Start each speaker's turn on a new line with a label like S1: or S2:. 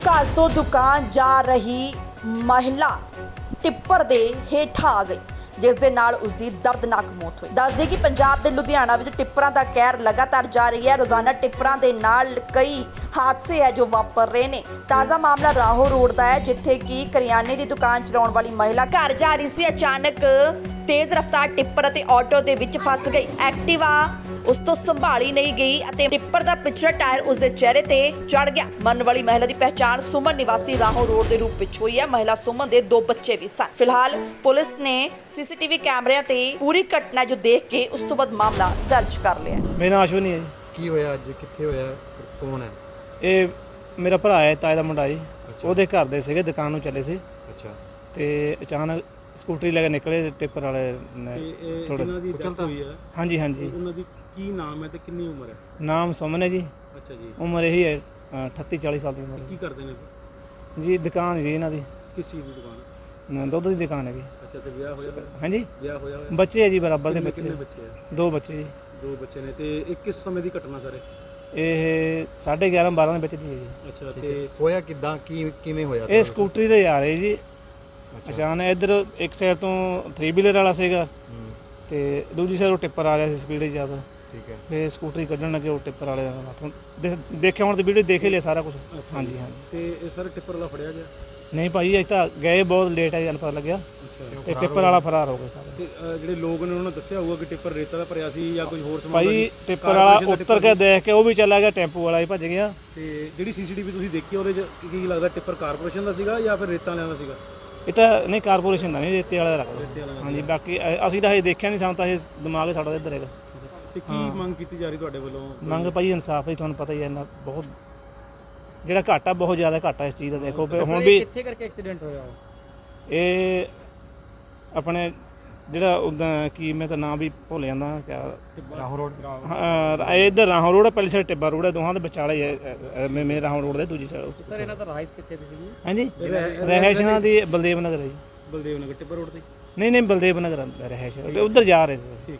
S1: घर तो दुकान जा रही महिला ਟਿੱਪਰ ਦੇ ਹੇਠਾਂ ਆ ਗਈ, ਜਿਸ ਦੇ ਨਾਲ ਉਸ ਦੀ ਦਰਦਨਾਕ ਮੌਤ ਹੋਈ। ਦੱਸਦੇ ਕਿ ਪੰਜਾਬ ਦੇ ਲੁਧਿਆਣਾ ਵਿੱਚ ਟਿੱਪਰਾਂ ਦਾ ਕਹਿਰ ਲਗਾਤਾਰ ਜਾਰੀ ਹੈ। ਰੋਜ਼ਾਨਾ ਟਿੱਪਰਾਂ ਦੇ ਨਾਲ ਕਈ ਹਾਦਸੇ ਹੈ ਜੋ ਵਾਪਰ ਰਹੇ ਨੇ। ਤਾਜ਼ਾ ਮਾਮਲਾ ਰਾਹੋਂ ਰੋਡ ਦਾ ਹੈ, ਜਿੱਥੇ ਕਿ ਕਰਿਆਨੇ ਦੀ ਦੁਕਾਨ ਚਲਾਉਣ ਵਾਲੀ ਮਹਿਲਾ ਘਰ ਜਾ ਰਹੀ ਸੀ। ਅਚਾਨਕ ਤੇਜ਼ ਰਫ਼ਤਾਰ ਟਿੱਪਰ ਅਤੇ ਆਟੋ ਦੇ ਵਿੱਚ ਫਸ ਗਈ। ਐਕਟਿਵਾ ਉਸ ਤੋਂ ਸੰਭਾਲੀ ਨਹੀਂ ਗਈ ਅਤੇ ਟਿੱਪਰ ਦਾ ਪਿਛਲਾ ਟਾਇਰ ਉਸ ਦੇ ਚਿਹਰੇ ਤੇ ਚੜ ਗਿਆ। ਮਰਨ ਵਾਲੀ ਮਹਿਲਾ ਦੀ ਪਹਿਚਾਣ ਸੁਮਨ ਨਿਵਾਸੀ ਰਾਹੋਂ ਰੋਡ ਦੇ ਰੂਪ ਵਿੱਚ ਹੋਈ ਹੈ। ਮਹਿਲਾ ਸੁਮਨ ਦੇ 2 ਬੱਚੇ ਵੀ ਸਨ। ਫਿਲਹਾਲ ਪੁਲਿਸ ਨੇ ਸੀਸੀਟੀਵੀ ਕੈਮਰਿਆਂ ਤੇ ਪੂਰੀ ਘਟਨਾ ਜੋ ਦੇਖ ਕੇ ਉਸ ਤੋਂ ਬਾਅਦ ਮਾਮਲਾ ਦਰਜ ਕਰ ਲਿਆ।
S2: ਮੇਰਾ ਨਾਮ ਅਸ਼ਵਨੀ ਹੈ ਜੀ।
S3: ਕੀ ਹੋਇਆ ਅੱਜ, ਕਿੱਥੇ ਹੋਇਆ, ਕੌਣ ਹੈ?
S2: ਇਹ ਮੇਰਾ ਭਰਾ ਹੈ, ਤਾਏ ਦਾ ਮੁੰਡਾ ਜੀ। ਉਹਦੇ ਘਰ ਦੇ ਸੀਗੇ, ਦੁਕਾਨ ਨੂੰ ਚੱਲੇ ਸੀ
S3: ਅੱਛਾ।
S2: ਤੇ ਅਚਾਨਕ ਸਕੂਟਰੀ ਲੈ ਕੇ ਨਿਕਲੇ ਟਿੱਪਰ ਵਾਲੇ ਨੇ। ਥੋੜਾ
S4: ਉਹਨਾਂ ਦੀ ਡੈਥ ਹੋਈ ਹੈ।
S2: ਹਾਂਜੀ ਹਾਂਜੀ।
S4: ਉਹਨਾਂ ਦੀ ਕੀ ਨਾਮ ਹੈ ਤੇ ਕਿੰਨੀ ਉਮਰ ਹੈ?
S2: ਨਾਮ ਸੁਮਨ ਹੈ ਜੀ।
S4: ਅੱਛਾ ਜੀ।
S2: ਉਮਰ ਇਹੀ ਹੈ 38-40 ਸਾਲ ਦੀ ਉਮਰ
S4: ਕੀ ਕਰਦੇ ਨੇ?
S2: ਜੀ। ਦੁਕਾਨ ਜੀ ਇਹਨਾਂ ਦੀ
S4: ਕਿਸ ਚੀਜ਼ ਦੀ ਦੁਕਾਨ?
S2: ਦੁੱਧ ਦੀ ਦੁਕਾਨ ਹੈਗੀ।
S4: ਅੱਛਾ, ਤੇ ਵਿਆਹ ਹੋਇਆ?
S2: ਹਾਂਜੀ,
S4: ਵਿਆਹ ਹੋਇਆ ਹੋਇਆ?
S2: ਬੱਚੇ ਹੈ ਜੀ, ਬਰਾਬਰ ਦੇ ਬੱਚੇ।
S4: ਕਿੰਨੇ ਬੱਚੇ ਹੈ?
S2: 2 ਬੱਚੇ ਜੀ।
S4: 2 ਬੱਚੇ ਨੇ। ਤੇ ਇਹ ਕਿਸ ਸਮੇਂ ਦੀ ਘਟਨਾ ਸਰ?
S2: ਇਹ 11:30-12 ਦੇ ਵਿੱਚ ਦੀ ਹੈ ਜੀ।
S4: ਅੱਛਾ, ਤੇ
S3: ਹੋਇਆ ਕਿੱਦਾਂ, ਕਿਵੇਂ ਹੋਇਆ?
S2: ਇਹ ਸਕੂਟਰੀ ਤੇ ਜਾ ਰਹੇ ਜੀ। ਅਚਾਨਕ ਇੱਧਰ ਇੱਕ ਸਾਈਡ ਤੋਂ 3 ਵੀਲਰ ਵਾਲਾ ਸੀਗਾ ਤੇ ਦੂਜੀ ਸਾਈਡ ਉਹ ਟਿੱਪਰ ਆ ਰਿਹਾ ਸੀ ਸਪੀਡ ਜ਼ਿਆਦਾ।
S3: ਠੀਕ ਹੈ।
S2: ਫੇ ਸਕੂਟਰੀ ਕੱਢਣ ਲੱਗੇ ਉਹ ਟਿੱਪਰ ਵਾਲੇ ਹੱਥੋਂ ਦੇਖਿਆ, ਹੁਣ ਤੇ ਵੀਡੀਓ ਦੇਖ ਹੀ ਲਿਆ ਸਾਰਾ ਕੁਝ। ਹਾਂਜੀ ਹਾਂਜੀ।
S4: ਤੇ ਇਹ ਸਰ ਟਿੱਪਰ ਵਾਲਾ ਫੜਿਆ ਗਿਆ?
S2: ਨਹੀਂ ਭਾਈ, ਅਸੀਂ ਤਾਂ ਗਏ ਬਹੁਤ ਲੇਟ ਹੈ, ਪਤਾ ਲੱਗਿਆ।
S4: ਅੱਛਾ।
S2: ਤੇ ਟਿੱਪਰ ਵਾਲਾ ਫਰਾਰ ਹੋ ਗਿਆ ਸਾਰਾ।
S4: ਤੇ ਜਿਹੜੇ ਲੋਕ ਨੇ ਉਹਨਾਂ ਨੇ ਦੱਸਿਆ ਹੋਊਗਾ ਕਿ ਟਿੱਪਰ ਰੇਤਾ ਦਾ ਭਰਿਆ ਸੀ ਜਾਂ ਕੋਈ ਹੋਰ ਸਮਾਨ?
S2: ਭਾਈ ਟਿੱਪਰ ਵਾਲਾ ਉੱਤਰ ਕੇ ਦੇਖ ਕੇ ਉਹ ਵੀ ਚਲਾ ਗਿਆ, ਟੈਂਪੂ ਵਾਲਾ ਹੀ ਭੱਜ ਗਿਆ।
S4: ਤੇ ਜਿਹੜੀ ਸੀਸੀਟੀਵੀ ਤੁਸੀਂ ਦੇਖੀ ਉਹਦੇ 'ਚ ਕੀ ਲੱਗਦਾ, ਟਿੱਪਰ ਕਾਰਪੋਰੇਸ਼ਨ ਦਾ ਸੀਗਾ ਜਾਂ ਫਿਰ ਰੇਤਾਂ ਵਾਲਿਆਂ ਦਾ ਸੀਗਾ?
S2: ਇਹ ਤਾਂ ਨਹੀਂ, ਕਾਰਪੋਰੇਸ਼ਨ ਦਾ ਨਹੀਂ, ਰੇਤੇ ਵਾਲਾ ਦਾ
S4: ਰੇਤੇ
S2: ਰੱਖਦਾ।
S4: ਵਾਲਾ।
S2: ਹਾਂਜੀ, ਬਾਕੀ ਅਸੀਂ ਤਾਂ ਹਜੇ ਦੇਖਿਆ ਨਹੀਂ, ਸਾਨੂੰ ਤਾਂ ਇਹ ਦਿਮਾਗ ਸਾਡਾ ਇੱਧਰ ਹੈਗਾ।
S4: ਤੇ ਕੀ ਮੰਗ ਕੀਤੀ ਜਾ ਰਹੀ ਤੁਹਾਡੇ ਵੱਲੋਂ?
S2: ਮੰਗ ਭਾਈ ਇਨਸਾਫ ਹੀ, ਤੁਹਾਨੂੰ ਪਤਾ ਹੀ ਹੈ ਇੰਨਾ ਬਹੁਤ ਜਿਹੜਾ ਘਾਟਾ ਬਹੁਤ ਜ਼ਿਆਦਾ ਘਾਟਾ ਇਸ ਚੀਜ਼ ਦਾ। ਦੇਖੋ ਹੁਣ ਵੀ
S4: ਕਿੱਥੇ ਕਰਕੇ ਐਕਸੀਡੈਂਟ ਹੋਇਆ?
S2: ਇਹ ਆਪਣੇ ਜਿਹੜਾ ਉਦਾਂ ਕੀ, ਮੈਂ ਤਾਂ ਨਾਂ ਵੀ ਭੁੱਲ ਜਾਂਦਾ ਕਿਆ।
S3: ਰਾਹੋਂ ਰੋਡ।
S2: ਇੱਧਰ ਰਾਹੋਂ ਰੋਡ ਹੈ, ਪਹਿਲੀ ਸਾਈਡ ਟਿੱਬਾ ਰੋਡ ਹੈ, ਦੋਹਾਂ ਦੇ ਵਿਚਾਲੇ ਹੀ ਹੈ। ਮੇਰੇ ਰਾਹੋਂ ਰੋਡ ਦੇ ਦੂਜੀ ਸਾਈਡ।
S4: ਸਰ ਇਹਨਾਂ ਦਾ ਰਾਈਸ ਕਿੱਥੇ ਦੀ ਸੀਗੀ?
S2: ਹਾਂਜੀ, ਰਹਿਸ਼ ਇਹਨਾਂ ਦੀ ਬਲਦੇਵ ਨਗਰ ਹੈ ਜੀ।
S4: ਬਲਦੇਵ ਨਗਰ ਟਿੱਬਰ ਰੋਡ ਤੇ?
S2: ਨਹੀਂ ਨਹੀਂ, ਬਲਦੇਵ ਨਗਰ ਰਹਿਸ਼, ਉੱਧਰ ਜਾ ਰਹੇ ਸੀ।
S4: ਠੀਕ